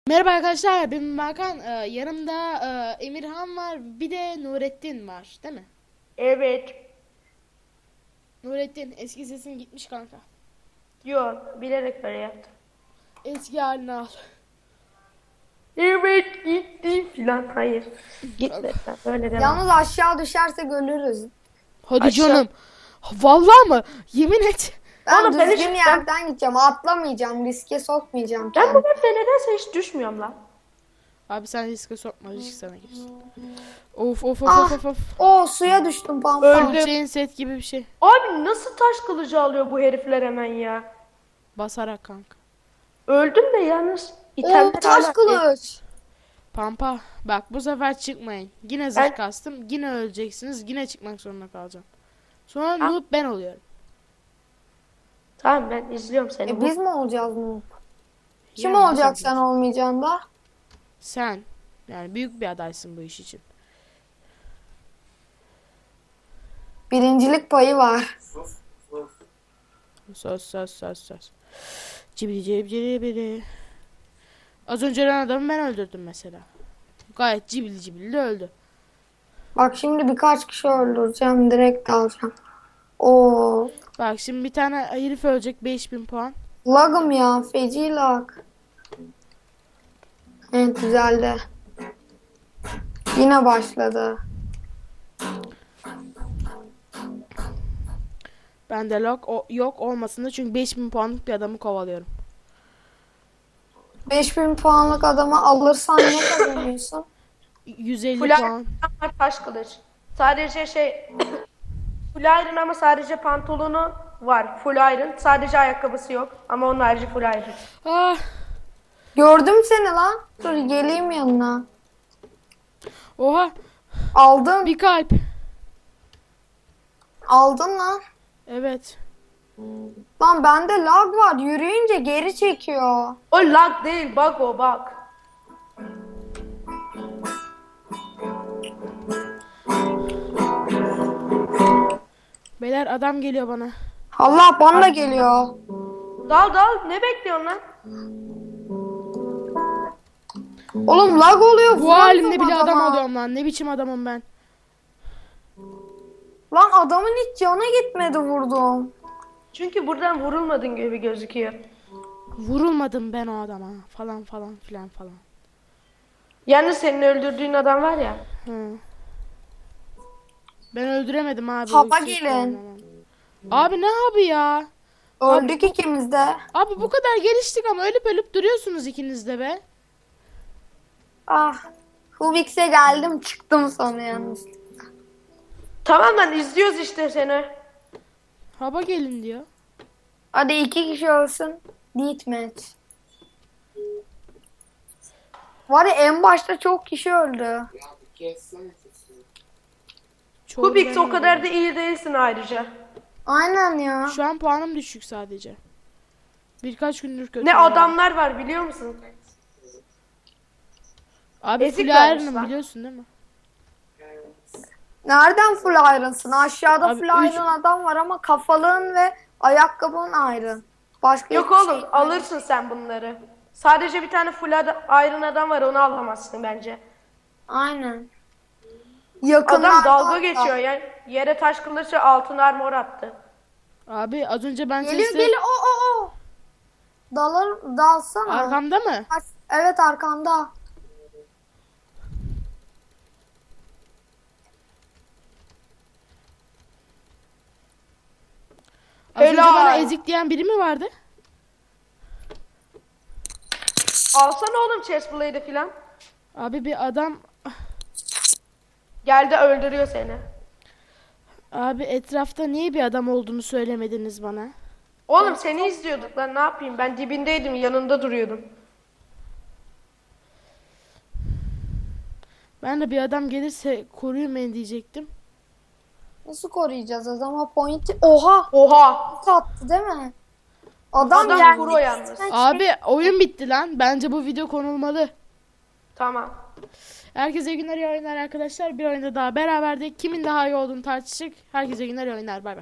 Merhaba arkadaşlar, ben Hakan. Yanımda Emirhan var, bir de Nurettin var, değil mi? Evet. Nurettin, eski sesin gitmiş kanka. Yok. Bilerek böyle yaptım. Eski halini al. Evet gitti filan. Hayır. Gitme sen. Böyle devam. Yalnız aşağı düşersek ölürüz. Hadi Aşağı- canım. Vallahi mı? Yemin et. Ben Oğlum, ben düzgün hiç- yerden gideceğim. Atlamayacağım. Riske sokmayacağım Ben kendimi. bu map'te nedense hiç düşmüyorum lan. Abi sen riske sokma, risk sana girsin. Of of of Ah. of of. Oo, suya düştüm pampa. Öldüm. Chain set gibi bir şey. Abi nasıl taş kılıcı alıyor bu herifler hemen ya? Basarak kanka. Öldüm de yalnız. Oo, İtemler taş hala- kılıç. Pampa, bak bu sefer çıkmayın. Yine zırh Ben- kastım, yine öleceksiniz, yine çıkmak zorunda kalacağım. Sonra noob ben oluyorum. Tamam, ben izliyorum seni. Biz mi olacağız mı? Kim Yani olacak nasıl sen olmayacaksın da? Sen. Yani büyük bir adaysın bu iş için. Birincilik payı var. Söz. Cibili cibili cibili. Az önce ölen adamı ben öldürdüm mesela. Gayet cibili cibili de öldü. Bak şimdi birkaç kişi öldüreceğim. Direkt alacağım. Oo, Bak şimdi bir tane herif ölecek, 5000 puan. lagım ya. Feci lag. Evet, düzeldi. Yine başladı. Bende yok olmasında, çünkü 5000 puanlık bir adamı kovalıyorum. 5000 puanlık adamı alırsan ne kazanıyorsun? 150 Full puan. iron taş kılıç. Sadece full iron ama sadece pantolonu var. Full iron. Sadece ayakkabısı yok. Ama onun harici full iron. Ah, Gördüm seni lan. Dur geleyim yanına. oha, Aldın. bir kalp. Aldın lan. Evet. Lan bende lag var. Yürüyünce geri çekiyor. O lag değil, bug o bug. Beyler, adam geliyor bana. Allah bana da geliyor. Dal dal, ne bekliyorsun lan? Oğlum lag oluyor. Bu vuramıyorum halimde bile adam adama. alıyorum lan. Ne biçim adamım ben. Lan adamın hiç canı gitmedi vurdum. Çünkü buradan vurulmadın gibi gözüküyor. Vurulmadım ben o adama. Falan falan filan falan. Yani senin öldürdüğün adam var ya. Hı. Ben öldüremedim abi. Hava o sürekli gelin. oynamam. Abi ne abi ya? Öldük ikimiz de. Abi bu kadar geliştik ama ölüp ölüp duruyorsunuz ikiniz de be. Ah. Hubix'e geldim çıktım sonra yalnız. Tamam lan, izliyoruz işte seni. Hava gelin diyor. Hadi 2 kişi ölsün. Deathmatch. Var ya en başta çok kişi öldü. Çoğunu Kubik ben o kadar öldürdüm. da iyi değilsin ayrıca. Aynen ya. Şu an puanım düşük sadece. Birkaç gündür kötü. Ne oynuyorum. adamlar var biliyor musun? Abi ezik full vermiş iron'ım lan. biliyorsun değil mi? Nereden full iron'sın? Aşağıda Abi, full iron adam var ama kafalığın ve ayakkabın iron. Başka Yok hiçbir oğlum, şey. alırsın sen bunları. Sadece bir tane full iron adam var, onu alamazsın bence. Aynen. Adam Yakınlarda dalga hatta. geçiyor yani, yere taş kılıçla altın armor attı. Abi az önce ben Geliyor sesi... geliyor. O. Dalsana. Arkamda mı? Evet arkanda. Az önce Helal. bana ezik diyen biri mi vardı? Alsana oğlum chestplate'i filan. Abi bir adam... Geldi öldürüyor seni. Abi etrafta niye bir adam olduğunu söylemediniz bana? Oğlum seni izliyorduk lan, ne yapayım, ben dibindeydim, yanında duruyordum. Ben de bir adam gelirse koruyun beni diyecektim. Nasıl koruyacağız adama point? Oha. Oha. Ok attı değil mi? Adam Adam pro yalnız. Abi oyun bitti lan. Bence bu video konulmalı. Tamam. Herkese iyi günler, iyi oyunlar arkadaşlar. Bir oyunda daha beraberdik. Kimin daha iyi olduğunu tartıştık. Herkese iyi günler, iyi oyunlar. Bay bay.